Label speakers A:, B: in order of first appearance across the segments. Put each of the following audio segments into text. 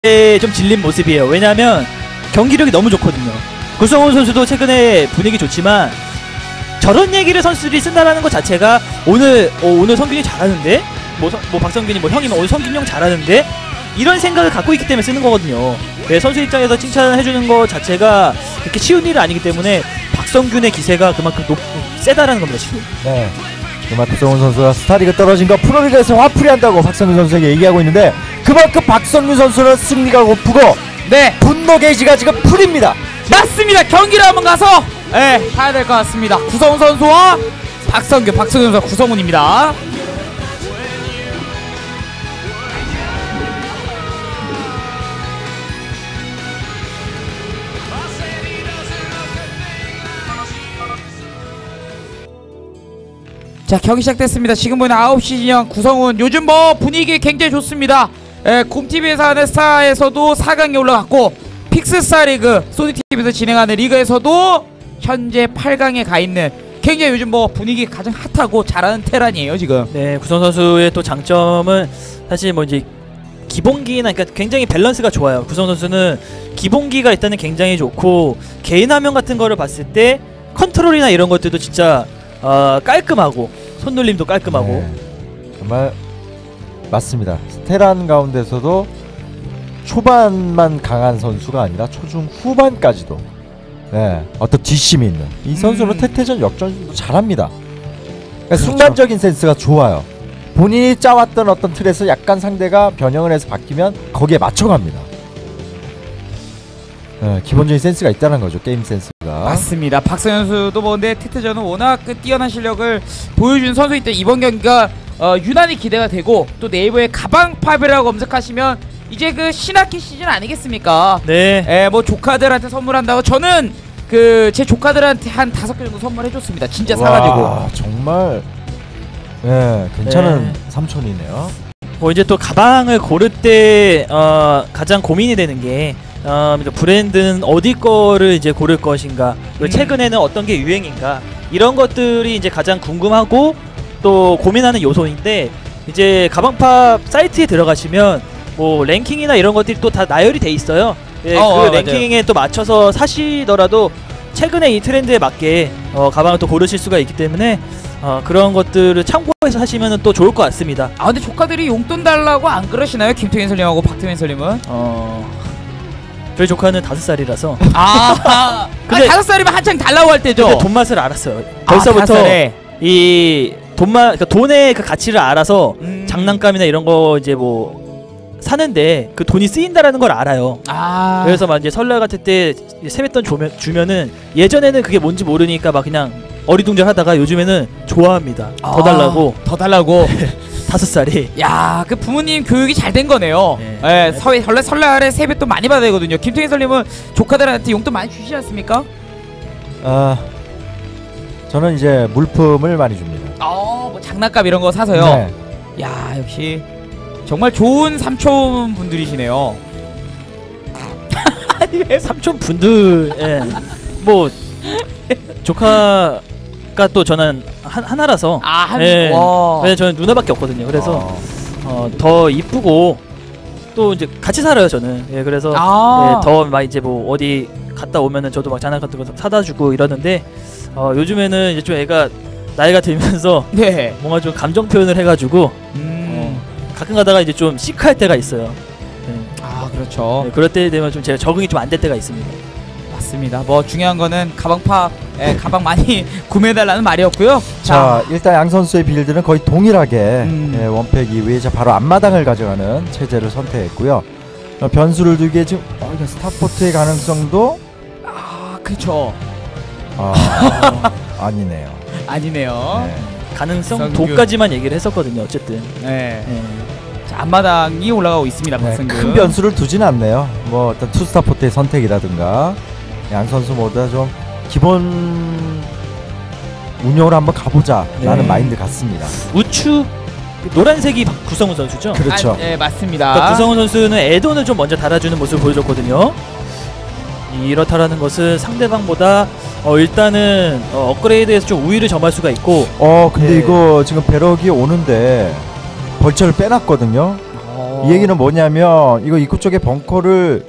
A: 좀 질린 모습이에요. 왜냐하면 경기력이 너무 좋거든요. 구성훈 선수도 최근에 분위기 좋지만 저런 얘기를 선수들이 쓴다라는 것 자체가 오늘 성균이 잘하는데 뭐 박성균이 뭐 형이 오늘 성균 형 잘하는데 이런 생각을 갖고 있기 때문에 쓰는 거거든요. 네, 선수 입장에서 칭찬해주는 것 자체가 그렇게 쉬운 일은 아니기 때문에 박성균의 기세가 그만큼 세다라는 겁니다 지금.
B: 네, 정말 구성훈 선수가 스타리그 떨어진 거 프로리그에서 화풀이 한다고 박성균 선수에게 얘기하고 있는데 그만큼 박성균 선수는 승리가 고프고 네, 분노 게이지가 지금 풀입니다.
C: 맞습니다. 경기를 한번 가서 봐야 될 것 같습니다. 구성훈 선수와 박성균 선수와 구성훈입니다. 자, 경기 시작됐습니다. 지금 보이는 9시 진영 구성훈 요즘 뭐 분위기 굉장히 좋습니다. 곰TV에서 하는 스타에서도 4강에 올라갔고 픽스스타 리그 소니TV에서 진행하는 리그에서도 현재 8강에 가있는 굉장히 요즘 뭐 분위기 가장 핫하고 잘하는 테란이에요 지금.
A: 네, 구성 선수의 또 장점은 사실 뭐 이제 기본기나 그러니까 굉장히 밸런스가 좋아요. 구성 선수는 기본기가 일단은 굉장히 좋고 개인 화면 같은 거를 봤을 때 컨트롤이나 이런 것들도 진짜 깔끔하고 손놀림도 깔끔하고
B: 네, 정말 맞습니다. 테란 가운데서도 초반만 강한 선수가 아니라 초중 후반까지도 네, 어떤 뒷심이 있는 이 선수는 태태전 역전도 잘합니다. 그러니까
A: 그렇죠.
B: 순간적인 센스가 좋아요. 본인이 짜왔던 어떤 틀에서 약간 상대가 변형을 해서 바뀌면 거기에 맞춰갑니다. 네, 기본적인 센스가 있다는 거죠. 게임 센스가.
C: 맞습니다. 박성현 선수도 뭐 근데 태태전은 워낙 뛰어난 실력을 보여준 선수이기 때문에 이번 경기가 유난히 기대가 되고 또 네이버에 가방팝이라고 검색하시면 이제 그 신학기 시즌 아니겠습니까?
A: 네.
C: 뭐 조카들한테 선물한다고 저는 그 제 조카들한테 한 5개 정도 선물해줬습니다. 진짜 사가지고.
B: 와, 정말 괜찮은
A: 네.
B: 삼촌이네요.
A: 뭐 이제 또 가방을 고를 때 가장 고민이 되는 게 브랜드는 어디 거를 이제 고를 것인가, 그리고 최근에는 어떤 게 유행인가, 이런 것들이 이제 가장 궁금하고 또 고민하는 요소인데, 이제 가방팝 사이트에 들어가시면 뭐 랭킹이나 이런 것들이 또 다 나열이 돼 있어요. 예, 그 랭킹에 맞아요. 또 맞춰서 사시더라도 최근에 이 트렌드에 맞게 가방을 또 고르실 수가 있기 때문에 그런 것들을 참고해서 하시면 또 좋을 것 같습니다.
C: 아 근데 조카들이 용돈 달라고 안 그러시나요? 김태현 설님하고 박태현 설님은?
A: 저희 조카는 5살이라서
C: 근데 5살이면 한창 달라고 할 때죠?
A: 근데 돈 맛을 알았어요. 벌써부터 이 그러니까 돈의 그 가치를 알아서 장난감이나 이런 거 이제 뭐 사는데 그 돈이 쓰인다라는 걸 알아요. 그래서 막 이제 설날 같을 때 세뱃돈 주면은 예전에는 그게 뭔지 모르니까 막 그냥 어리둥절하다가 요즘에는 좋아합니다. 더 달라고. 5살이.
C: 야, 그 부모님 교육이 잘 된 거네요. 네. 원래 설날에 세뱃돈 많이 받아야 되거든요. 김태희 선생님은 조카들한테 용돈 많이 주시지 않습니까?
B: 저는 이제 물품을 많이 줍니다.
C: 뭐 장난감 이런 거 사서요.
B: 네.
C: 야, 역시 정말 좋은 삼촌 분들이시네요.
A: 삼촌 분들, 뭐 조카가 또 저는 하나라서. 왜냐면 저는 누나밖에 없거든요. 그래서 더 이쁘고 또 이제 같이 살아요 저는. 예, 그래서 더 막 이제 뭐 어디 갔다 오면은 저도 막 장난감 같은 거 사다 주고 이러는데 요즘에는 이제 좀 애가 나이가 들면서 뭔가 좀 감정 표현을 해가지고 가끔 가다가 이제 좀 시크할 때가 있어요.
C: 그렇죠.
A: 그럴 때 되면 좀 제가 적응이 좀 안 될 때가 있습니다.
C: 맞습니다. 뭐 중요한 거는 가방팝 가방 많이 구매해달라는 말이었고요.
B: 자, 일단 양 선수의 빌드는 거의 동일하게 원팩 이후에 바로 앞마당을 가져가는 체제를 선택했고요. 변수를 두기에 지금 스타포트의 가능성도
C: 그렇죠.
B: 아니네요.
C: 네.
A: 가능성 도까지만 얘기를 했었거든요. 어쨌든.
C: 자, 앞마당이 올라가고 있습니다. 박성균.
B: 큰 변수를 두진 않네요. 뭐 어떤 투스타포트의 선택이라든가 양 선수 모두 좀 기본 운영을 한번 가보자 라는 마인드 같습니다.
A: 우측 노란색이 구성훈 선수죠?
B: 그렇죠.
C: 네, 맞습니다.
A: 그러니까 구성훈 선수는 에돈을 좀 먼저 달아주는 모습을 보여줬거든요. 이렇다라는 것은 상대방보다 일단은 업그레이드에서 좀 우위를 점할 수가 있고.
B: 근데 이거 지금 배럭이 오는데 벌처를 빼놨거든요. 이 얘기는 뭐냐면 이거 입구 쪽에 벙커를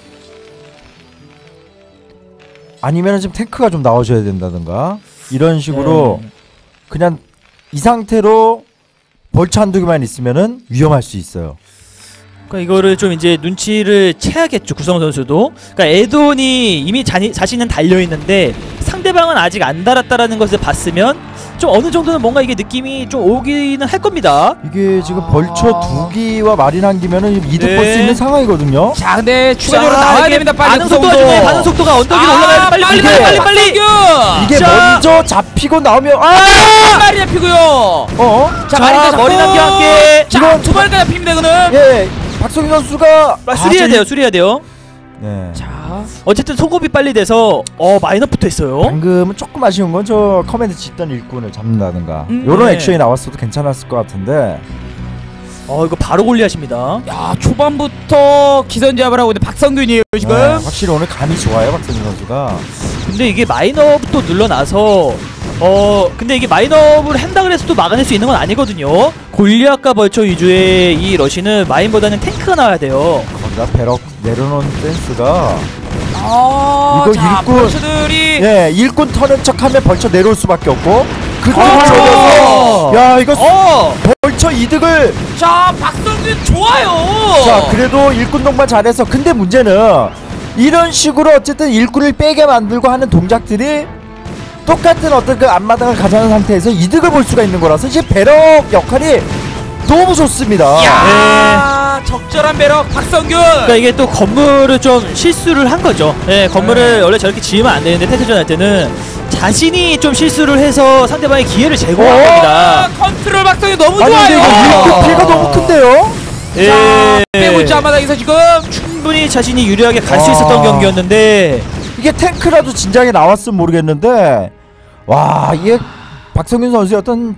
B: 아니면 지금 탱크가 좀 나와줘야 된다든가 이런 식으로 그냥 이 상태로 벌처 한두 개만 있으면은 위험할 수 있어요.
A: 그러니까 이거를 좀 이제 눈치를 채야겠죠, 구성훈 선수도. 그러니까 에돈이 이미 자신은 달려 있는데 상대방은 아직 안 달았다라는 것을 봤으면 좀 어느 정도는 뭔가 이게 느낌이 좀 오기는 할 겁니다.
B: 이게 지금 벌처 2기와 마린 1기면은 이득 볼 수 있는 상황이거든요.
C: 자, 근데 추가적으로 나와야 됩니다. 빨리
A: 반응 속도가 중요해. 반응 속도가 언덕 위로 올라가야 빨리 빨리.
B: 이게
A: 자.
B: 먼저 잡히고 나오면
C: 마리 잡히고요.
B: 자,
C: 마리가
A: 머리 남기 함께.
C: 자, 두 마리가 잡힙니다. 이거는.
B: 예, 박성희 선수가
A: 수리해야 돼요.
B: 네.
C: 자,
A: 어쨌든 속업이 빨리 돼서 마이너 붙어 있어요.
B: 방금은 조금 아쉬운 건 저 커맨드 짓던 일꾼을 잡는다든가 요런
A: 네.
B: 액션이 나왔어도 괜찮았을 것 같은데.
A: 이거 바로 골리하십니다.
C: 야, 초반부터 기선제압을 하고 있는 박성균이에요 지금.
B: 네, 확실히 오늘 감이 좋아요, 박성희 선수가.
A: 근데 이게 마인업도 눌러놔서 근데 이게 마인업을 한다 그래서 또 막아낼 수 있는 건 아니거든요. 골리앗과 벌처 위주의 이 러시는 마인보다는 탱크가 나와야 돼요.
B: 거기다 배럭 내려놓은 센스가
C: 이거
B: 자, 일꾼.
C: 벌처들이
B: 예, 일꾼 터는 척하면 벌처 내려올 수밖에 없고 그쪽을
C: 그렇죠.
B: 노려서 야 이거 벌처 이득을.
C: 자, 박성균 좋아요.
B: 자, 그래도 일꾼 동반 잘해서. 근데 문제는 이런 식으로 어쨌든 일꾼을 빼게 만들고 하는 동작들이 똑같은 어떤 그 앞마당을 가져가는 상태에서 이득을 볼 수가 있는 거라서 이제 배럭 역할이 너무 좋습니다.
C: 야, 적절한 배럭 박성균.
A: 그러니까 이게 또 건물을 좀 실수를 한 거죠. 예, 건물을 원래 저렇게 지으면 안 되는데 테스트전 할 때는 자신이 좀 실수를 해서 상대방의 기회를 제공한 겁니다.
C: 컨트롤 박성균 너무
B: 아니 근데
C: 좋아요.
B: 이거 일꾼 피해가 너무 큰데요?
C: 자, 빼고 있지 앞마당에서 지금.
A: 충분히 자신이 유리하게 갈 수 있었던 경기였는데
B: 이게 탱크라도 진작에 나왔으면 모르겠는데 와, 이게 박성균 선수의 어떤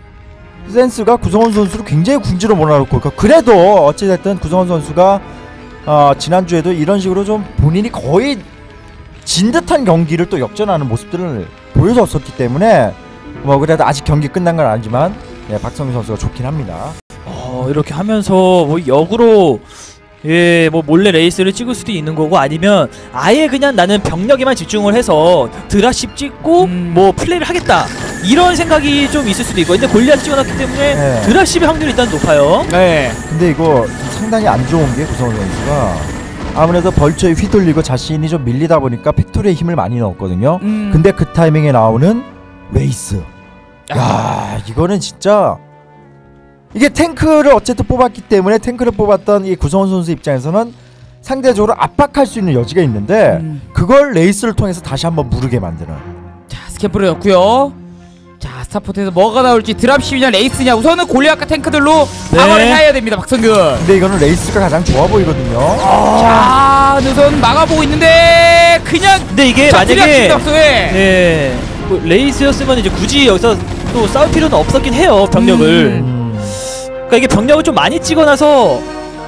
B: 센스가 구성원 선수를 굉장히 궁지로 몰아놓고, 그래도 어찌됐든 구성원 선수가 지난주에도 이런 식으로 좀 본인이 거의 진 듯한 경기를 또 역전하는 모습들을 보여줬었기 때문에 뭐 그래도 아직 경기 끝난 건 아니지만 박성균 선수가 좋긴 합니다.
A: 이렇게 하면서 뭐 역으로 뭐 몰래 레이스를 찍을 수도 있는 거고, 아니면 아예 그냥 나는 병력에만 집중을 해서 드랍십 찍고 뭐 플레이를 하겠다 이런 생각이 좀 있을 수도 있고. 근데 골리앗 찍어놨기 때문에 드랍십의 확률이 일단 높아요.
C: 네.
B: 근데 이거 상당히 안 좋은 게 구성원 선수가 아무래도 벌처에 휘둘리고 자신이 좀 밀리다 보니까 팩토리에 힘을 많이 넣었거든요. 근데 그 타이밍에 나오는 레이스, 야, 이거는 진짜 이게 탱크를 어쨌든 뽑았기 때문에 탱크를 뽑았던 이 구성원 선수 입장에서는 상대적으로 압박할 수 있는 여지가 있는데 그걸 레이스를 통해서 다시 한번 무르게 만드는.
C: 자, 스캠프를 넣고요. 자, 스타포트에서 뭐가 나올지, 드랍십이냐 레이스냐, 우선은 골리앗과 탱크들로 방어를 해야 됩니다 박성균.
B: 근데 이거는 레이스가 가장 좋아 보이거든요.
C: 자, 우선 막아보고 있는데 그냥.
A: 근데 이게 만약에
C: 네.
A: 뭐 레이스였으면 이제 굳이 여기서 또 싸울 필요는 없었긴 해요, 병력을. 그러니까 이게 병력을 좀 많이 찍어놔서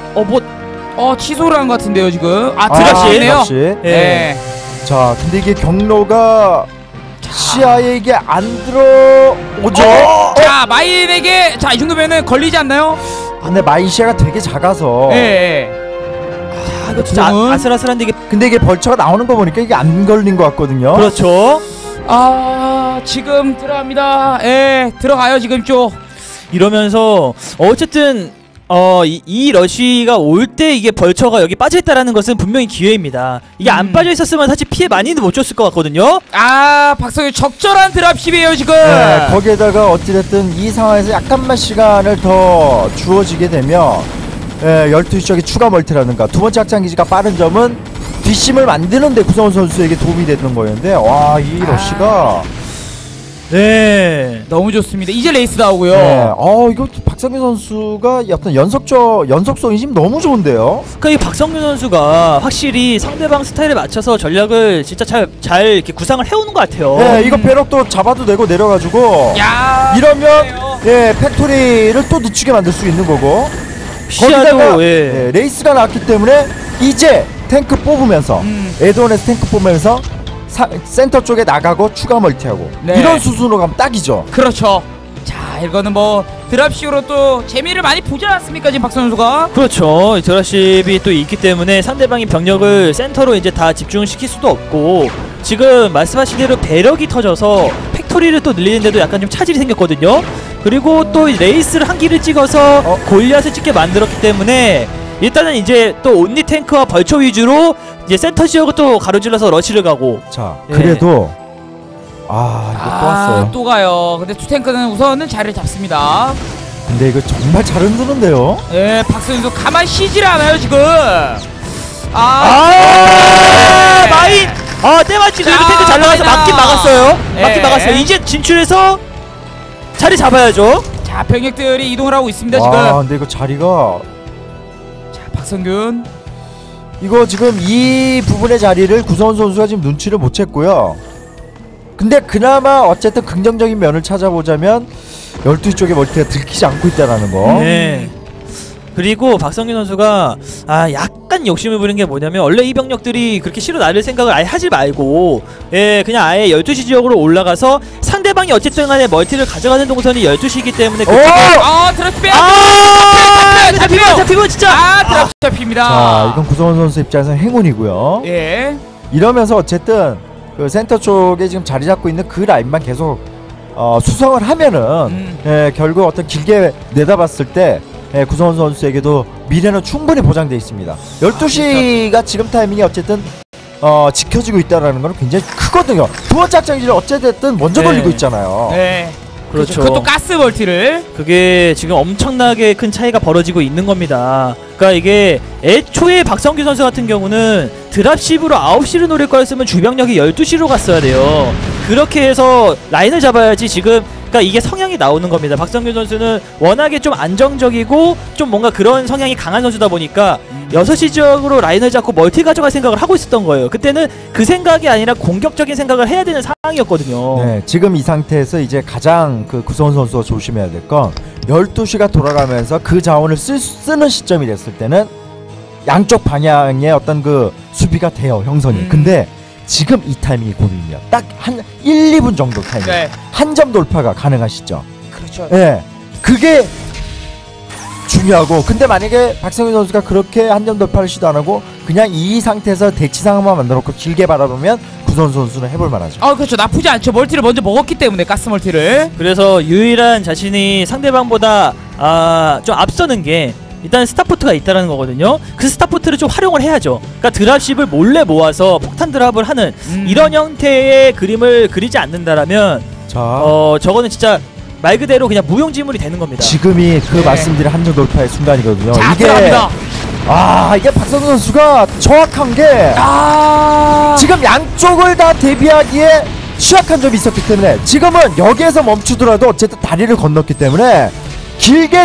C: 취소를 한 것 같은데요 지금. 드랍십이네요. 네.
B: 자, 근데 이게 경로가 시야에 이게 안 들어오죠.
C: 자, 마인에게 이 정도면은 걸리지 않나요?
B: 근데 마인 시야가 되게 작아서.
C: 네.
A: 이거 진짜 아슬아슬한데 이게.
B: 근데 이게 벌처가 나오는 거 보니까 이게 안 걸린 것 같거든요.
A: 그렇죠.
C: 지금 들어갑니다. 들어가요 지금 쪽.
A: 이러면서 어쨌든 이 러쉬가 올 때 이게 벌처가 여기 빠져있다라는 것은 분명히 기회입니다. 이게 안 빠져있었으면 사실 피해 많이는 못 줬을 것 같거든요.
C: 박성균 적절한 드랍십이에요 지금.
B: 네, 거기에다가 어찌됐든 이 상황에서 약간만 시간을 더 주어지게 되면 12시 쪽에 추가 멀티라든가 두 번째 확장기지가 빠른 점은 뒷심을 만드는데 구성원 선수에게 도움이 되는 거였는데, 와, 이 러쉬가
A: 너무
C: 좋습니다. 이제 레이스 나오고요.
B: 이거 박성균 선수가 어떤 연속성이 지금 너무 좋은데요.
A: 그러니까 이 박성균 선수가 확실히 상대방 스타일에 맞춰서 전략을 진짜 잘 이렇게 구상을 해오는 것 같아요.
B: 이거 배럭도 잡아도 되고 내려가지고 이러면 팩토리를 또 늦추게 만들 수 있는 거고, 거기다가 레이스가 나왔기 때문에 이제 탱크 뽑으면서 에드온에서 탱크 뽑으면서 센터 쪽에 나가고 추가 멀티하고 이런 수순으로 가면 딱이죠.
C: 그렇죠. 자, 이거는 뭐 드랍식으로 또 재미를 많이 보지 않았습니까 지금 박성현 선수가?
A: 그렇죠. 드랍십이 또 있기 때문에 상대방이 병력을 센터로 이제 다 집중시킬 수도 없고, 지금 말씀하신 대로 배럭이 터져서 팩토리를 또 늘리는데도 약간 좀 차질이 생겼거든요. 그리고 또 레이스를 한 기를 찍어서 골리앗을 찍게 만들었기 때문에 일단은 이제 또 온리 탱크와 벌처 위주로 이제 센터 지역을 또 가로질러서 러시를 가고.
B: 자,
A: 예.
B: 그래도 이거 또 왔어요.
C: 또 가요. 근데 투탱크는 우선은 자리를 잡습니다.
B: 근데 이거 정말 잘 흔드는데요.
C: 예, 박성현 선수 가만히 쉬질 않아요 지금.
A: 마인! 때마침 그래도 탱크 잘 나가서
C: 마인아.
A: 막긴 막았어요. 막긴
C: 예.
A: 막았어요. 이제 진출해서 자리 잡아야죠.
C: 자, 병력들이 이동을 하고 있습니다
B: 와,
C: 지금.
B: 근데 이거 자리가
C: 자, 박성균.
B: 이거 지금 이 부분의 자리를 구성원 선수가 지금 눈치를 못 챘고요. 근데 그나마 어쨌든 긍정적인 면을 찾아보자면 12시 쪽에 멀티가 들키지 않고 있다라는 거.
A: 네. 그리고 박성균 선수가 약간 욕심을 부린 게 뭐냐면, 원래 이 병력들이 그렇게 실어 나를 생각을 아예 하지 말고 그냥 아예 12시 지역으로 올라가서 상대방이 어쨌든 간에 멀티를 가져가는 동선이 12시이기 때문에
C: 드랍 빼.
A: 잡히고 진짜
C: 드랍 잡힙니다.
B: 자, 이건 구성원 선수 입장에서는 행운이고요.
C: 예.
B: 이러면서 어쨌든 그 센터 쪽에 지금 자리 잡고 있는 그 라인만 계속 수성을 하면은 결국 어떤 길게 내다봤을 때 구성원 선수에게도 미래는 충분히 보장되어 있습니다. 12시가 지금 타이밍이 어쨌든 지켜지고 있다는 건 굉장히 크거든요. 두 번째 확장기를 어찌됐든 먼저 돌리고 있잖아요.
C: 네.
A: 그렇죠.
C: 그것도 가스 멀티를.
A: 그게 지금 엄청나게 큰 차이가 벌어지고 있는 겁니다. 그러니까 이게 애초에 박성규 선수 같은 경우는 드랍십으로 9시를 노릴 거였으면 주병력이 12시로 갔어야 돼요. 그렇게 해서 라인을 잡아야지 지금. 그러니까 이게 성향이 나오는 겁니다. 박성규 선수는 워낙에 좀 안정적이고 좀 뭔가 그런 성향이 강한 선수다 보니까 6시 지역으로 라인을 잡고 멀티 가져갈 생각을 하고 있었던 거예요. 그때는 그 생각이 아니라 공격적인 생각을 해야 되는 상황이었거든요.
B: 네, 지금 이 상태에서 이제 가장 그 구성원 선수가 조심해야 될 건 12시가 돌아가면서 그 자원을 쓰는 시점이 됐을 때는 양쪽 방향의 어떤 그 수비가 돼요, 형성이. 근데 지금 이 타이밍이 고민이야. 딱 한 1, 2분 정도 타이밍.
C: 네.
B: 한 점 돌파가 가능하시죠.
C: 그렇죠.
B: 예. 그게 중요하고, 근데 만약에 박성윤 선수가 그렇게 한 점 돌파를 시도 안 하고 그냥 이 상태에서 대치 상황만 만들어 놓고 길게 바라보면 구선 선수는 해볼 만하죠.
C: 그렇죠. 나쁘지 않죠. 멀티를 먼저 먹었기 때문에 가스 멀티를.
A: 그래서 유일한 자신이 상대방보다 좀 앞서는 게 일단 스타포트가 있다라는 거거든요. 그 스타포트를 좀 활용을 해야죠. 그러니까 드랍십을 몰래 모아서 폭탄 드랍을 하는 이런 형태의 그림을 그리지 않는다라면
B: 자,
A: 저거는 진짜 말 그대로 그냥 무용지물이 되는 겁니다.
B: 지금이 그
C: 네.
B: 말씀드린 한 점 돌파의 순간이거든요.
C: 자,
B: 이게
C: 들어갑니다.
B: 이게 박성윤 선수가 정확한 게 지금 양쪽을 다 대비하기에 취약한 점이 있었기 때문에 지금은 여기에서 멈추더라도 어쨌든 다리를 건넜기 때문에 길게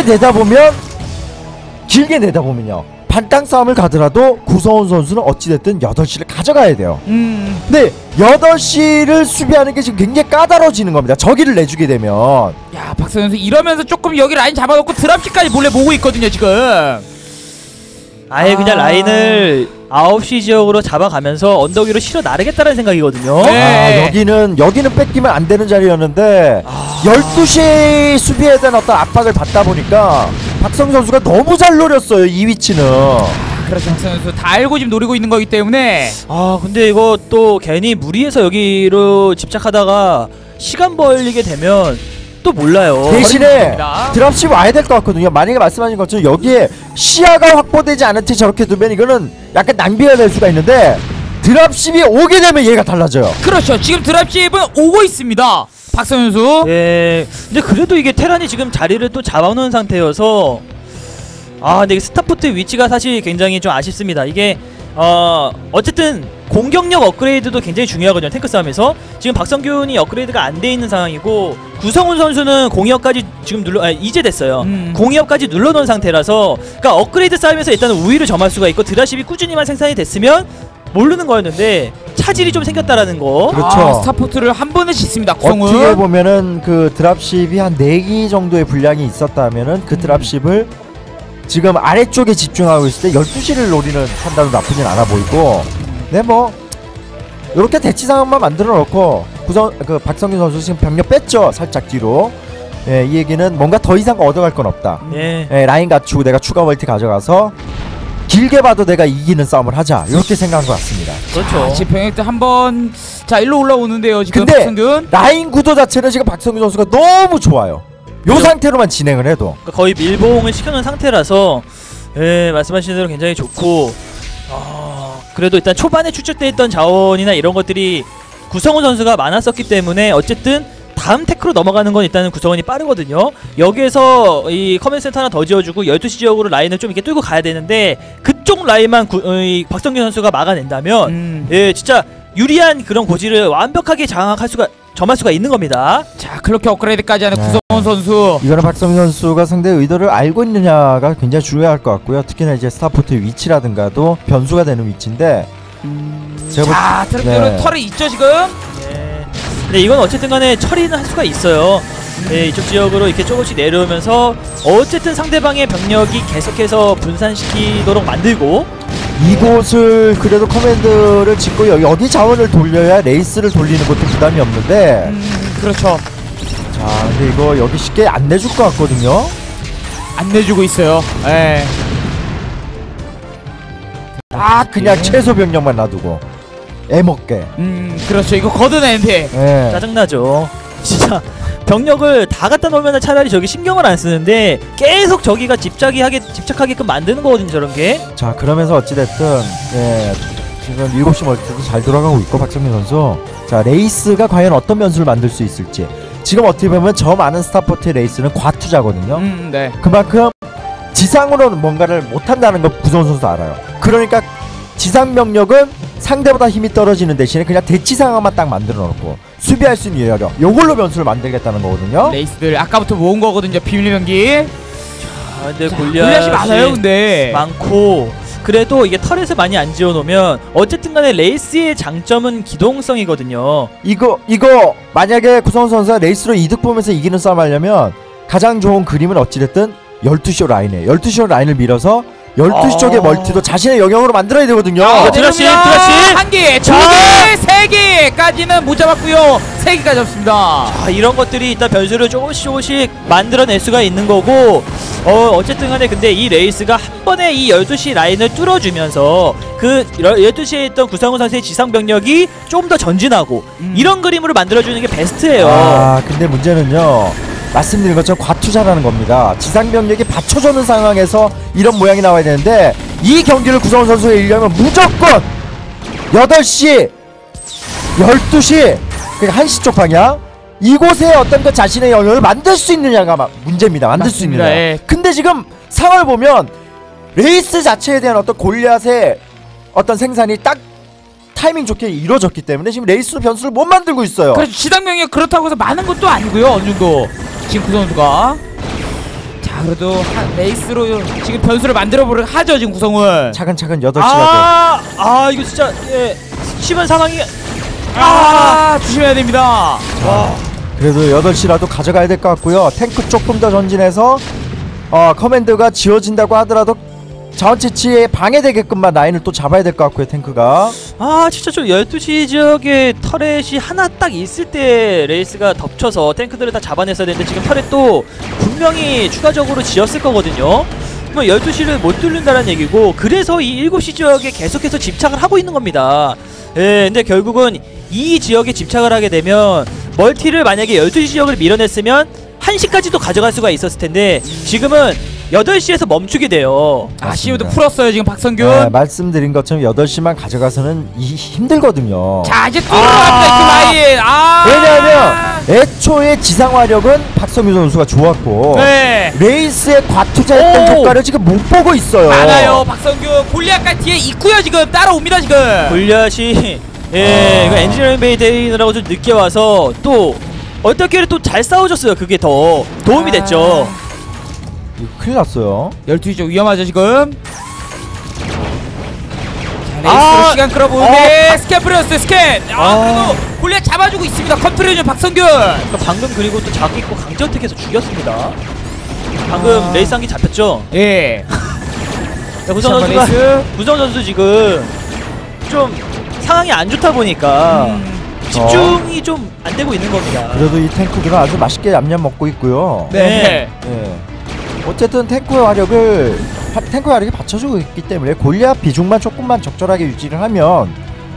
B: 내다보면요 반땅 싸움을 가더라도 구성원 선수는 어찌됐든 8시를 가져가야 돼요. 근데 8시를 수비하는 게 지금 굉장히 까다로워지는 겁니다. 저기를 내주게 되면.
C: 야, 박성현 선수 이러면서 조금 여기 라인 잡아놓고 드랍식까지 몰래 보고 있거든요 지금.
A: 아예 그냥 라인을 9시 지역으로 잡아가면서 언덕 위로 실어 나르겠다는 생각이거든요.
C: 네.
B: 여기는 뺏기면 안 되는 자리였는데 12시 수비에 대한 어떤 압박을 받다 보니까 박성 선수가 너무 잘 노렸어요, 이 위치는.
C: 그렇죠. 박성현 선수 다 알고 지금 노리고 있는 거기 때문에.
A: 근데 이거 또 괜히 무리해서 여기로 집착하다가 시간 벌리게 되면 또 몰라요.
B: 대신에
C: 버립니다.
B: 드랍십 와야 될 것 같거든요. 만약에 말씀하신 것처럼 여기에 시야가 확보되지 않은 채 저렇게 두면 이거는 약간 낭비가 될 수가 있는데 드랍십이 오게 되면 얘가 달라져요.
C: 그렇죠. 지금 드랍십은 오고 있습니다. 박성현 선수.
A: 예. 근데 그래도 이게 테란이 지금 자리를 또 잡아놓은 상태여서 근데 이게 스타포트 위치가 사실 굉장히 좀 아쉽습니다. 이게 어쨌든 공격력 업그레이드도 굉장히 중요하거든요. 탱크 싸움에서 지금 박성균이 업그레이드가 안 돼 있는 상황이고 구성훈 선수는 공이업까지 지금 이제 됐어요. 공이업까지 눌러놓은 상태라서 그러니까 업그레이드 싸움에서 일단 우위를 점할 수가 있고 드랍십이 꾸준히만 생산이 됐으면 모르는 거였는데 차질이 좀 생겼다라는 거.
B: 그렇죠.
C: 스타포트를 한 번에 짓습니다. 구성훈.
B: 어떻게 보면은 그 드랍십이 한 4기 정도의 분량이 있었다면은 그 드랍십을 지금 아래쪽에 집중하고 있을 때 12시를 노리는 판단은 나쁘진 않아 보이고, 네, 뭐 이렇게 대치 상황만 만들어 놓고 박성균 선수 지금 병력 뺐죠, 살짝 뒤로. 예, 이 얘기는 뭔가 더 이상 얻어갈 건 없다.
A: 예.
B: 예, 라인 갖추고 내가 추가 멀티 가져가서 길게 봐도 내가 이기는 싸움을 하자 이렇게 생각한 것 같습니다.
A: 그렇죠.
C: 지금 병력들 한번 자 일로 올라오는데요. 지금
B: 근데
C: 박성균.
B: 라인 구도 자체는 지금 박성균 선수가 너무 좋아요. 요
A: 그렇죠.
B: 상태로만 진행을 해도
A: 그러니까 거의 밀봉을 시켜놓은 상태라서 예, 말씀하신 대로 굉장히 좋고 그래도 일단 초반에 추측돼 있던 자원이나 이런 것들이 구성훈 선수가 많았었기 때문에 어쨌든 다음 테크로 넘어가는 건 일단은 구성원이 빠르거든요. 여기에서 이 커맨드 센터 하나 더 지어주고 12시 지역으로 라인을 좀 이렇게 뚫고 가야 되는데 그쪽 라인만 이 박성균 선수가 막아낸다면 예, 진짜 유리한 그런 고지를 완벽하게 점할 수가 있는 겁니다.
C: 자 그렇게 업그레이드까지 하는
B: 네.
C: 구성훈 선수.
B: 이거는 박성균 선수가 상대의 의도를 알고 있느냐가 굉장히 중요할 것 같고요. 특히나 이제 스타포트의 위치라든가도 변수가 되는 위치인데 제가
C: 자 트랙대로
B: 네.
C: 털이 있죠 지금.
A: 예. 근데 이건 어쨌든 간에 처리는 할 수가 있어요. 예, 이쪽 지역으로 이렇게 조금씩 내려오면서 어쨌든 상대방의 병력이 계속해서 분산시키도록 만들고
B: 이곳을 그래도 커맨드를 짓고 여기 자원을 돌려야 레이스를 돌리는 것도 부담이 없는데
C: 그렇죠.
B: 자 근데 이거 여기 쉽게 안 내줄 것 같거든요.
C: 안 내주고 있어요. 예.
B: 그냥 최소 병력만 놔두고 애먹게.
C: 그렇죠. 이거 걷어내는데.
B: 예.
A: 짜증나죠. 진짜 병력을 다 갖다 놓으면 차라리 저기 신경을 안 쓰는데 계속 저기가 집착하게끔 만드는 거거든요, 저런 게.
B: 자 그러면서 어찌됐든 예, 지금 7시 멀티도 잘 돌아가고 있고 박성민 선수. 자 레이스가 과연 어떤 변수를 만들 수 있을지. 지금 어떻게 보면 저 많은 스타포트의 레이스는 과투자거든요.
C: 네.
B: 그만큼 지상으로는 뭔가를 못한다는 걸 구성훈 선수도 알아요. 그러니까 지상 병력은 상대보다 힘이 떨어지는 대신에 그냥 대치 상황만 딱 만들어 놓고 수비할 수 있는 여력 요걸로 변수를 만들겠다는 거거든요.
C: 레이스들 아까부터 모은 거거든요. 비밀 병기.
A: 근데
C: 골리앗이 많아요, 근데.
A: 많고 그래도 이게 터렛을 많이 안 지어놓으면 어쨌든 간에 레이스의 장점은 기동성이거든요.
B: 이거 만약에 구성훈 선수가 레이스로 이득 보면서 이기는 싸움 하려면 가장 좋은 그림은 어찌됐든 12시 라인에 12시 라인을 밀어서 12시 쪽의 멀티도 자신의 영역으로 만들어야 되거든요.
A: 드라시!
C: 한 개, 두 개, 세 개까지는 못 잡았고요. 세 개까지 잡습니다.
A: 자, 이런 것들이 일단 변수를 조금씩 만들어낼 수가 있는 거고 어쨌든 간에 근데 이 레이스가 한 번에 이 12시 라인을 뚫어주면서 그 12시에 있던 구상훈 선수의 지상 병력이 좀 더 전진하고 이런 그림으로 만들어주는 게 베스트예요.
B: 근데 문제는요. 말씀드린 것처럼 과투자라는 겁니다. 지상 병력이 받쳐주는 상황에서 이런 모양이 나와야 되는데 이 경기를 구성훈 선수가 이기려면 무조건 8시, 12시, 그러니까 1시 쪽 방향 이곳에 어떤 그 자신의 영역을 만들 수 있느냐가 문제입니다. 만들 수 있느냐.
C: 예.
B: 근데 지금 상황을 보면 레이스 자체에 대한 어떤 골리앗의 어떤 생산이 딱 타이밍 좋게 이루어졌기 때문에 지금 레이스로 변수를 못 만들고 있어요.
C: 그래서 지상명이 그렇다고 해서 많은 것도 아니고요. 어느 정도 지금 구성훈 선수가. 자 그래도 레이스로 지금 변수를 만들어보려 하죠 지금 구성훈.
B: 차근차근 8시가
A: 이거 진짜 예, 심한 상황이
C: 조심해야 됩니다.
B: 그래도 8시라도 가져가야 될 것 같고요. 탱크 조금 더 전진해서 커맨드가 지어진다고 하더라도 자원 채취에 방해되게끔만 라인을 또 잡아야 될 것 같고요. 탱크가
A: 진짜 좀 12시 지역에 터렛이 하나 딱 있을 때 레이스가 덮쳐서 탱크들을 다 잡아냈어야 되는데 지금 터렛도 분명히 추가적으로 지었을 거거든요. 뭐 12시를 못 뚫는다는 얘기고 그래서 이 7시 지역에 계속해서 집착을 하고 있는 겁니다. 예, 근데 결국은 이 지역에 집착을 하게 되면 멀티를 만약에 12시 지역을 밀어냈으면 1시까지도 가져갈 수가 있었을 텐데 지금은 8시에서 멈추게 돼요.
C: 아쉬움도 풀었어요 지금 박성균.
B: 네, 말씀드린 것처럼 8시만 가져가서는 힘들거든요.
C: 자 이제 뚫어갑니다 그 라인.
B: 왜냐하면 애초에 지상화력은 박성규 선수가 좋았고
C: 네.
B: 레이스에 과투자했던 효과를 지금 못 보고 있어요.
C: 많아요 박성균. 골리앗까지 뒤에 있고요 지금 따라옵니다 지금.
A: 골리앗이 이거 엔지니어링 베이 데이느라고 좀 늦게 와서 또 어떻게 또 잘 싸워줬어요. 그게 더 도움이 됐죠.
B: 이거 큰일 났어요.
C: 12시 쪽 위험하죠 지금. 자, 레이스로 시간 끌어보는데 스캔 뿌렸어요 스캔. 그래도 골리앗 잡아주고 있습니다. 컨트롤 중 박성균.
A: 그러니까 방금 그리고 또 자기 있고 강제어택해서 죽였습니다. 방금 레이스 한 개 잡혔죠?
C: 예.
A: 구성 선수 지금 좀 상황이 안 좋다 보니까 집중이 좀 안 되고 있는 겁니다.
B: 그래도 이 탱크들은 아주 맛있게 얌얌 먹고 있고요.
A: 네.
B: 예. 어쨌든 탱크의 화력이 받쳐주고 있기 때문에 골리앗 비중만 조금만 적절하게 유지를 하면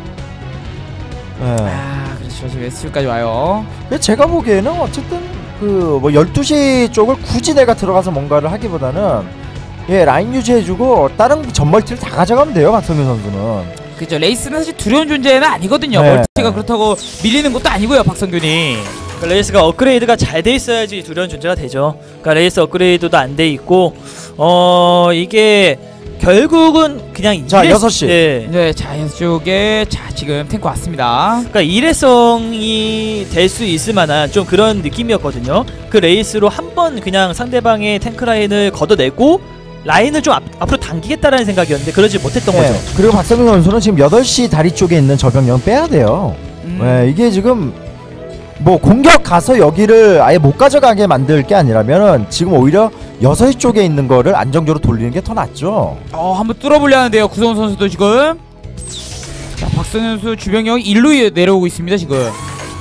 B: 예.
C: 그렇죠. 지금 SU까지 와요.
B: 근데 제가 보기에는 어쨌든 그 뭐 12시 쪽을 굳이 내가 들어가서 뭔가를 하기보다는 라인 유지해주고 다른 전멀티를 다 가져가면 돼요, 박성균 선수는.
C: 그죠. 레이스는 사실 두려운 존재는 아니거든요.
B: 네.
C: 멀티가 그렇다고 밀리는 것도 아니고요, 박성균이.
A: 그러니까 레이스가 업그레이드가 잘 돼 있어야지 두려운 존재가 되죠. 그러니까 레이스 업그레이드도 안 돼 있고 이게 결국은 그냥
B: 자, 6시.
C: 네, 자이언스 쪽에 지금 탱크 왔습니다.
A: 그러니까 일회성이 될 수 있을 만한 좀 그런 느낌이었거든요. 그 레이스로 한번 그냥 상대방의 탱크 라인을 걷어내고 라인을 좀 앞으로 당기겠다라는 생각이었는데 그러지 못했던 거죠.
B: 그리고 박성균 선수는 지금 8시 다리 쪽에 있는 저병력 빼야 돼요. 이게 지금 뭐 공격 가서 여기를 아예 못 가져가게 만들 게 아니라면은 지금 오히려 6시 쪽에 있는 거를 안정적으로 돌리는 게 더 낫죠.
C: 한번 뚫어보려 하는데요, 구성훈 선수도 지금. 자, 박성현 선수 주병력이 일로 내려오고 있습니다, 지금.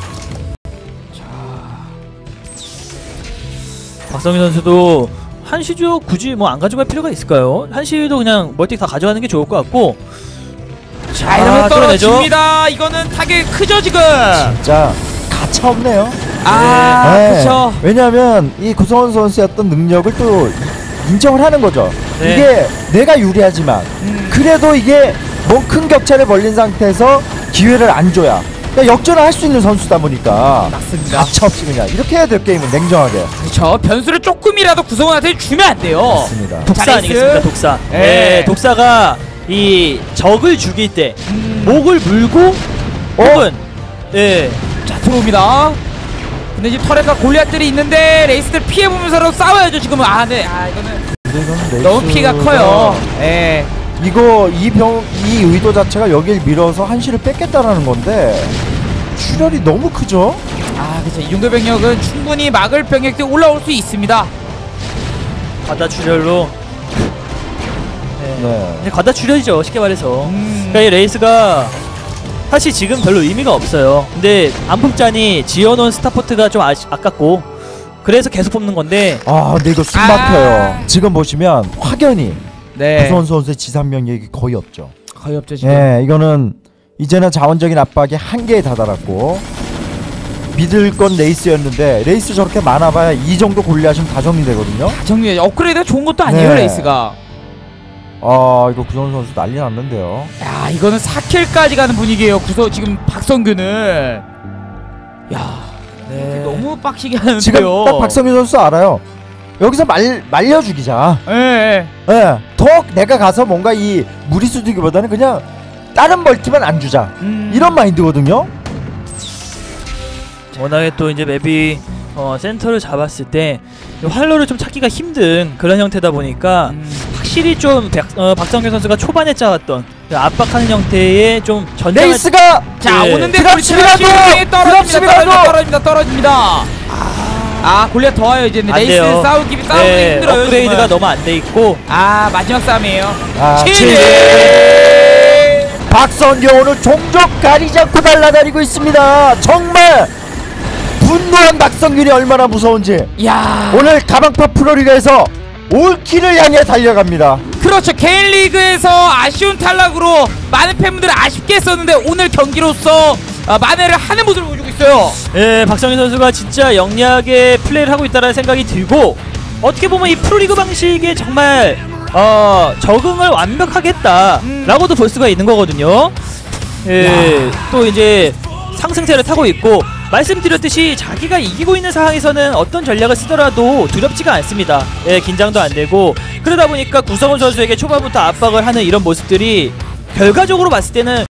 A: 박성희 선수도 한시죠 굳이 뭐 안 가져갈 필요가 있을까요? 한시도 그냥 멀티 다 가져가는 게 좋을 것 같고.
C: 자, 이러면 떨어집니다. 이거는 타격이 크죠, 지금.
B: 진짜 가차 없네요.
C: 그렇죠.
B: 왜냐하면 이 구성원 선수의 어떤 능력을 또 인정을 하는 거죠.
A: 네.
B: 이게 내가 유리하지만 그래도 이게 뭐 큰 격차를 벌린 상태에서 기회를 안 줘야 그러니까 역전을 할 수 있는 선수다 보니까
C: 맞습니다.
B: 가차 없이 그냥 이렇게 해야 될 게임은 냉정하게.
C: 그렇죠. 변수를 조금이라도 구성원한테 주면 안 돼요.
B: 맞습니다.
A: 독사
C: 자,
A: 아니겠습니까? 독사.
C: 네.
A: 네, 독사가 이 적을 죽일 때 목을 물고 혹은
C: 자, 들어옵니다. 근데 지금 터렛과 골리앗들이 있는데 레이스들 피해보면서 싸워야죠, 지금은. 이거는
B: 근데 이건
C: 너무 피가 커요.
B: 이거 이 의도 자체가 여길 밀어서 한시를 뺏겠다라는 건데 출혈이 너무 크죠?
C: 그렇죠. 이 정도 병력은 충분히 막을 병력들이 올라올 수 있습니다.
A: 과다 출혈로.
B: 네.
A: 이제 과다 출혈이죠, 쉽게 말해서.
C: 음.
A: 그러니까 이 레이스가 사실 지금 별로 의미가 없어요. 근데 안폭잔이 지어놓은 스타포트가 좀 아깝고 그래서 계속 뽑는 건데.
B: 근데 이거 숨 막혀요. 지금 보시면 확연히 구성원 선수의 지상병력이 거의 없죠.
C: 거의 없죠, 지금.
B: 이거는 이제는 자원적인 압박이 한계에 다다랐고 믿을 건 레이스였는데 레이스 저렇게 많아봐야 이 정도 골리하시면 다 정리되거든요.
C: 정리 업그레이드가 좋은 것도 아니에요, 레이스가.
B: 이거 구성원 선수 난리 났는데요.
C: 야, 이거는 4킬까지 가는 분위기예요. 지금 박성균은. 너무 빡시게 하는데요.
B: 지금 딱 박성균 선수 알아요. 여기서 말려 죽이자. 더 내가 가서 뭔가 이 무리수 두기보다는 그냥 다른 멀티만 안 주자. 이런 마인드거든요.
A: 워낙에 또 이제 맵이 센터를 잡았을 때 활로를 좀 찾기가 힘든 그런 형태다 보니까 확실히 좀 박성균 선수가 초반에 짜왔던 압박하는 형태의 좀 전략을
B: 레이스가
C: 오는데 떨어집니다. 골리앗 더 와요. 이제는 레이스
A: 돼요.
C: 싸우기 힘들어요.
A: 업그레이드가
C: 지금은.
A: 너무 안 돼 있고.
C: 마지막 싸움이에요.
B: 박성균 오늘 종족 가리지 않고 날아다니고 있습니다. 정말 분노한 박성균이 얼마나 무서운지. 오늘 가방파 프로리그에서 올킬을 향해 달려갑니다.
C: 그렇죠. 개인리그에서 아쉬운 탈락으로 많은 팬분들이 아쉽게 했었는데 오늘 경기로서 만회를 하는 모습을 보여주고 있어요.
A: 박성희 선수가 진짜 영리하게 플레이를 하고 있다는 생각이 들고 어떻게 보면 이 프로리그 방식에 정말 적응을 완벽하게 했다라고도 볼 수가 있는 거거든요. 또 이제 상승세를 타고 있고 말씀드렸듯이 자기가 이기고 있는 상황에서는 어떤 전략을 쓰더라도 두렵지가 않습니다. 긴장도 안 되고 그러다 보니까 구성훈 선수에게 초반부터 압박을 하는 이런 모습들이 결과적으로 봤을 때는